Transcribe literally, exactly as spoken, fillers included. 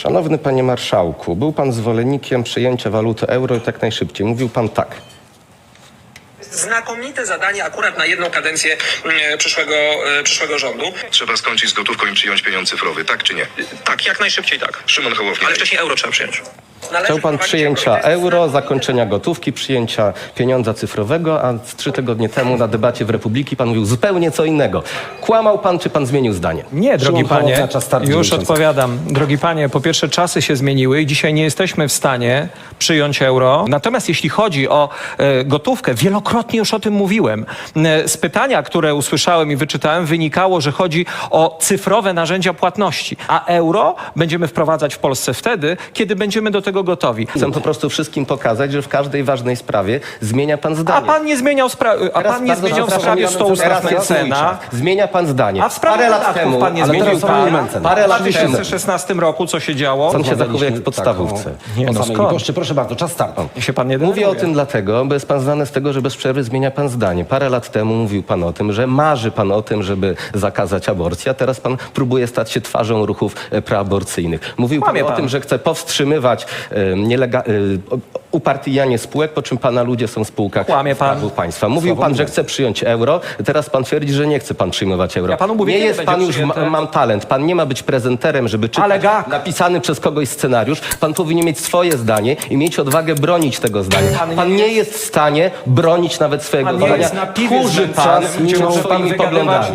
Szanowny panie marszałku, był pan zwolennikiem przyjęcia waluty euro i tak najszybciej. Mówił pan tak. Znakomite zadanie akurat na jedną kadencję e, przyszłego, e, przyszłego rządu. Trzeba skończyć z gotówką i przyjąć pieniądz cyfrowy, tak czy nie? Tak, jak najszybciej tak. Szymon Hołownia. Ale wcześniej euro trzeba przyjąć. Należy Chciał pan wprowadzić przyjęcia euro. euro, zakończenia gotówki, przyjęcia pieniądza cyfrowego, a z trzy tygodnie temu na debacie w Republiki pan mówił zupełnie co innego. Kłamał pan, czy pan zmienił zdanie? Nie, drogi Szymon Hołownia, panie, czas startu już miesiąca. odpowiadam. Drogi panie, po pierwsze czasy się zmieniły i dzisiaj nie jesteśmy w stanie przyjąć euro. Natomiast jeśli chodzi o e, gotówkę, wielokrotnie już o tym mówiłem. E, z pytania, które usłyszałem i wyczytałem, wynikało, że chodzi o cyfrowe narzędzia płatności, a euro będziemy wprowadzać w Polsce wtedy, kiedy będziemy do tego gotowi. Chcę po prostu wszystkim pokazać, że w każdej ważnej sprawie zmienia pan zdanie. A pan nie zmieniał, spra- a Teraz pan nie bardzo zmieniał w przepraszam, sprawie sto teraz ustępnych jest mój cena. czas. Zmienia pan zdanie. A w sprawie parę lat podatków temu, pan nie ale zmienił teraz są zdania. momenty. Parę W lat dwa temu. tysiące szesnastym roku co się działo? Pan się zachowuje jak w podstawówce. Nie, Nie, no no skąd? Goszczy, proszę bardzo, czas startu. Niech się pan nie Mówię o denerwuje. tym dlatego, bo jest pan znany z tego, że bez przerwy zmienia pan zdanie. Parę lat temu mówił pan o tym, że marzy pan o tym, żeby zakazać aborcji, a teraz pan próbuje stać się twarzą ruchów e, preaborcyjnych. Mówił pan, Kłamie o pan. tym, że chce powstrzymywać e, nielega- e, upartyjnianie spółek, po czym pana ludzie są w spółkach Kłamie pan. Skarbu Państwa. Mówił Słowo pan, że mówiąc. chce przyjąć euro, teraz pan twierdzi, że nie chce pan przyjmować euro. Ja panu mówię, nie kiedy jest będzie pan już, ma, przyjęte. mam talent, pan nie ma być prezenterem, żeby czytać Ale jak? napisany przez kogoś scenariusz. Pan powinien mieć swoje zdanie i mieć odwagę bronić tego zdania. Pan nie Pan nie jest w stanie bronić nawet swojego Pan nie zdania. jest na piwie Tchórzy znęcany, pan gdzie może pan swoimi wygadywać poglądami.